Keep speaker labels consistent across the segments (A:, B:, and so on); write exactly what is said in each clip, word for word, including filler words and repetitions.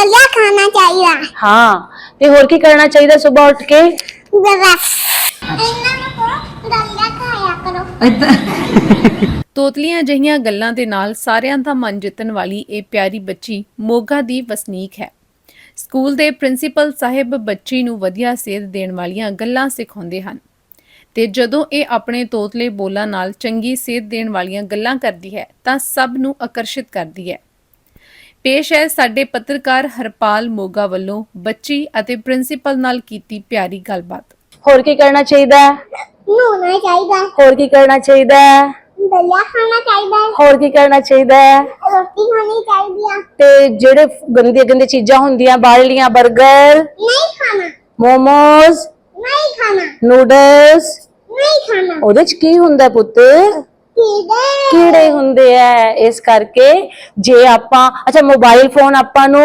A: दलिया खाना चाहिए।
B: हाँ ते होर की करना चाहिए सुबह उठ के?
A: बस इन्ना नु करो दलिया खाया करो।
C: ਤੋਤਲੀਆਂ ਜਿਹੀਆਂ ਗੱਲਾਂ ਦੇ ਨਾਲ ਸਾਰਿਆਂ ਦਾ ਮਨ ਜਿੱਤਣ ਵਾਲੀ ਇਹ ਪਿਆਰੀ ਬੱਚੀ ਮੋਗਾ ਦੀ ਵਸਨੀਕ ਹੈ। ਸਕੂਲ ਦੇ ਪ੍ਰਿੰਸੀਪਲ ਸਾਹਿਬ ਬੱਚੀ ਨੂੰ ਵਧੀਆ ਸੇਧ ਦੇਣ ਵਾਲੀਆਂ ਗੱਲਾਂ ਸਿਖਾਉਂਦੇ ਹਨ ਤੇ ਜਦੋਂ ਇਹ ਆਪਣੇ ਤੋਤਲੇ ਬੋਲਾਂ ਨਾਲ ਚੰਗੀ ਸੇਧ ਦੇਣ ਵਾਲੀਆਂ ਗੱਲਾਂ ਕਰਦੀ ਹੈ ਤਾਂ ਸਭ ਨੂੰ ਆਕਰਸ਼ਿਤ ਕਰਦੀ ਹੈ। ਪੇਸ਼ ਹੈ ਸਾਡੇ ਪੱਤਰਕਾਰ ਹਰਪਾਲ ਮੋਗਾ ਵੱਲੋਂ ਬੱਚੀ ਅਤੇ ਪ੍ਰਿੰਸੀਪਲ ਨਾਲ ਕੀਤੀ ਪਿਆਰੀ ਗੱਲਬਾਤ।
B: होर की करना चाहिए?
A: नहाना चाहिए।
B: होर की करना चाहिए?
A: दलिया खाना चाहिए।
B: होर की करना चाहिए?
A: रोटी खानी चाहिए।
B: ते जेड़े गंदी गंदी चीजां हुंदियां बाहरलियां बर्गर
A: नहीं खाना।
B: मोमोज
A: नहीं खाना।
B: ਨੂਡਲਸ
A: नहीं खाना।
B: ਉਹਦੇ ਚ ਕੀ ਹੁੰਦਾ ਪੁੱਤ?
A: कीड़े।
B: ਕੀੜੇ ਹੁੰਦੇ ਐ। ਇਸ ਕਰਕੇ ਜੇ ਆਪਾਂ ਅੱਛਾ ਮੋਬਾਈਲ ਫੋਨ ਆਪਾਂ ਨੂੰ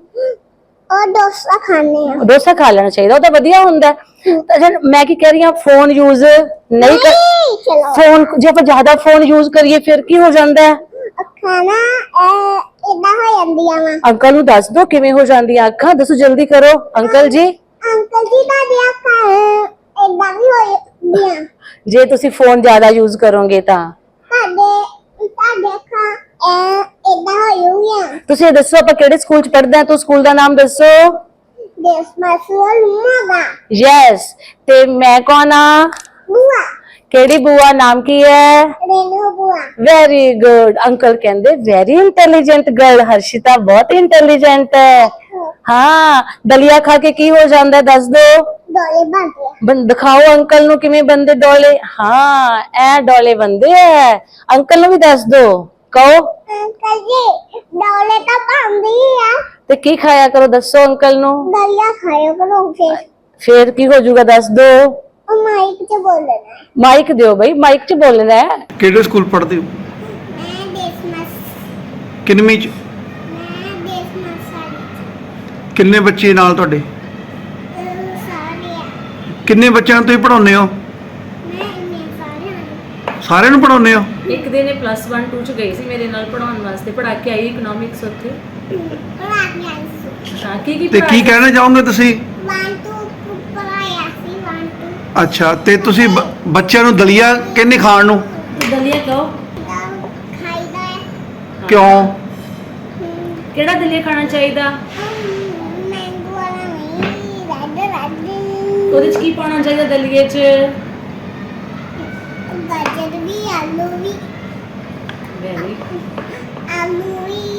A: और डोसा खाने हैं।
B: ਡੋਸਾ ਖਾ ਲੈਣਾ ਚਾਹੀਦਾ, ਉਹ ਤਾਂ ਵਧੀਆ ਹੁੰਦਾ। ਅੱਛਾ ਮੈਂ ਕੀ ਕਹਿ ਰਹੀ ਹਾਂ ਫੋਨ ਯੂਜ਼ ਨਹੀਂ ਕਰ
A: नहीं, चलो
B: ਫੋਨ ਜੇ ਆਪਾਂ ਜ਼ਿਆਦਾ ਫੋਨ ਯੂਜ਼ ਕਰੀਏ ਫਿਰ ਕੀ ਹੋ ਜਾਂਦਾ ਹੈ?
A: खाना इदा हो ਜਾਂਦੀਆਂ ਵਾ।
B: ਅੰਕਲ ਨੂੰ ਦੱਸ ਦੋ ਕਿਵੇਂ ਹੋ ਜਾਂਦੀਆਂ ਅੱਖਾਂ, ਦੱਸੋ ਜਲਦੀ ਕਰੋ ਅੰਕਲ ਜੀ।
A: ਅੰਕਲ ਜੀ ਦਾ ਦਿਆ ਅੱਖਾਂ ਇਦਾਂ ਵੀ ਹੋ ਜਾਂਦੀਆਂ
B: ਜੇ ਤੁਸੀਂ ਫੋਨ ਜ਼ਿਆਦਾ ਯੂਜ਼ ਕਰੋਗੇ ਤਾਂ
A: ਤੁਹਾਡੇ ਤੁਹਾਡੇ ਅੱਖਾਂ ਇਦਾਂ ਹੋ ਜਾਂਦੀਆਂ।
B: ਤੁਸੀਂ ਇਹ ਦੱਸੋ ਆਪਾਂ ਕਿਹੜੇ ਸਕੂਲ ਚ ਪੜ੍ਹਦੇ ਹਾਂ? ਤੂੰ ਸਕੂਲ ਦਾ ਨਾਮ ਦੱਸੋ।
A: ਦੇਸ ਮਸੂਲ ਮੋਗਾ।
B: ਯੈਸ ਤੇ ਮੈਂ ਕੌਣ ਆ?
A: ਬੁਆ।
B: ਕਿਹੜੀ ਬੂਆ? ਨਾਮ ਕੀ ਹੈ?
A: ਰੇਨੂ ਬੁਆ।
B: Very good. ਅੰਕਲ ਕਹਿੰਦੇ ਵੈਰੀ ਇੰਟੈਲੀਜੈਂਟ ਗਰਲ। ਹਰਸ਼ਿਤਾ ਬਹੁਤ ਇੰਟੈਲੀਜੈਂਟ ਹੈ। ਹਾਂ ਦਲੀਆ ਖਾ ਕੇ ਕੀ ਹੋ ਜਾਂਦਾ ਦੱਸ ਦੋ।
A: ਡੋਲੇ ਬਣਦੇ ਆ।
B: ਬੰ ਦਿਖਾਓ ਅੰਕਲ ਨੂੰ ਕਿਵੇਂ ਬੰਦੇ ਡੋਲੇ। ਹਾਂ ਐ ਡੋਲੇ ਬੰਦੇ ਐ। ਅੰਕਲ ਨੂੰ ਵੀ ਦੱਸ ਦੋ, ਕਹੋ।
A: ਅੰਕਲ ਜੀ ਡੋਲੇ ਤਾਂ ਬਣਦੇ ਹੀ ਆ।
B: ਤੇ ਕੀ ਖਾਇਆ ਕਰੋ ਦੱਸੋ ਅੰਕਲ ਨੂੰ।
A: ਦਲੀਆ ਖਾਇਆ ਕਰੋ ਫਿਰ।
B: ਫੇਰ ਕੀ ਹੋ ਜਾਊਗਾ ਦੱਸ ਦੋ।
A: ਉਹ ਮਾਈਕ 'ਚ ਬੋਲਣਾ।
B: ਮਾਈਕ ਦਿਓ ਬਈ, ਮਾਈਕ 'ਚ ਬੋਲਣਾ ਹੈ।
D: ਕਿਹੜੇ ਸਕੂਲ ਪੜ੍ਹਦੇ ਹੋ?
A: ਮੈਂ ਦੇਸ ਮਸ
D: ਕਿੰਨਵੀਂ ਚ?
A: ਮੈਂ ਦੇਸ ਮਸਾਲੀ
D: ਕਿੰਨੇ ਬੱਚੇ ਨਾਲ ਤੁਹਾਡੇ?
A: ਸਾਰੇ ਆ।
D: ਕਿੰਨੇ ਬੱਚਿਆਂ ਨੂੰ ਤੁਸੀਂ ਪੜ੍ਹਾਉਂਦੇ ਹੋ?
A: ਮੈਂ ਇੰਨੇ ਸਾਰੇ ਆ।
D: ਸਾਰਿਆਂ ਨੂੰ ਪੜ੍ਹਾਉਂਦੇ ਹੋ?
E: ਇੱਕ ਦਿਨ ਇਹ ਪਲੱਸ ਵਨ ਟੂ ਚ ਗਈ ਸੀ ਮੇਰੇ ਨਾਲ ਪੜਾਉਣ ਵਾਸਤੇ, ਪੜਾ ਕੇ ਆਈ ਇਕਨੋਮਿਕਸ ਉੱਥੇ।
A: ਪੜਾ ਕੇ ਆਈ ਸੀ।
E: ਹਾਂ ਕੀ ਕੀ
D: ਤੇ ਕੀ
E: ਪੜ੍ਹਾਇਆ?
D: ਕਹਿਣਾ ਚਾਹੋਗੇ ਤੁਸੀਂ?
A: ਵਨ ਟੂ ਪੜਾਇਆ ਸੀ ਵਨ ਟੂ।
D: ਅੱਛਾ ਤੇ ਤੁਸੀਂ ਬ- ਬੱਚਿਆਂ ਨੂੰ ਦਲੀਆ ਕਹਿੰਦੇ ਖਾਣ ਨੂੰ
E: ਦਲੀਆ ਕਹੋ।
A: ਖਾਈਦਾ ਹੈ।
D: ਕਿਉਂ?
E: ਕਿਹੜਾ ਦਲੀਆ ਖਾਣਾ ਚਾਹੀਦਾ?
A: ਮੈਂਗੋ ਵਾਲਾ ਨਹੀਂ, ਰੈੱਡ ਰੈੱਡ।
E: ਉਹਦੇ ਚ ਕੀ ਪਾਉਣਾ ਚਾਹੀਦਾ ਦਲੀਏ ਚ?
A: ਗਾਜਰ ਵੀ, ਆਲੂ ਵੀ।
E: ਵੈਰੀ
A: ਆਲੂ ਵੀ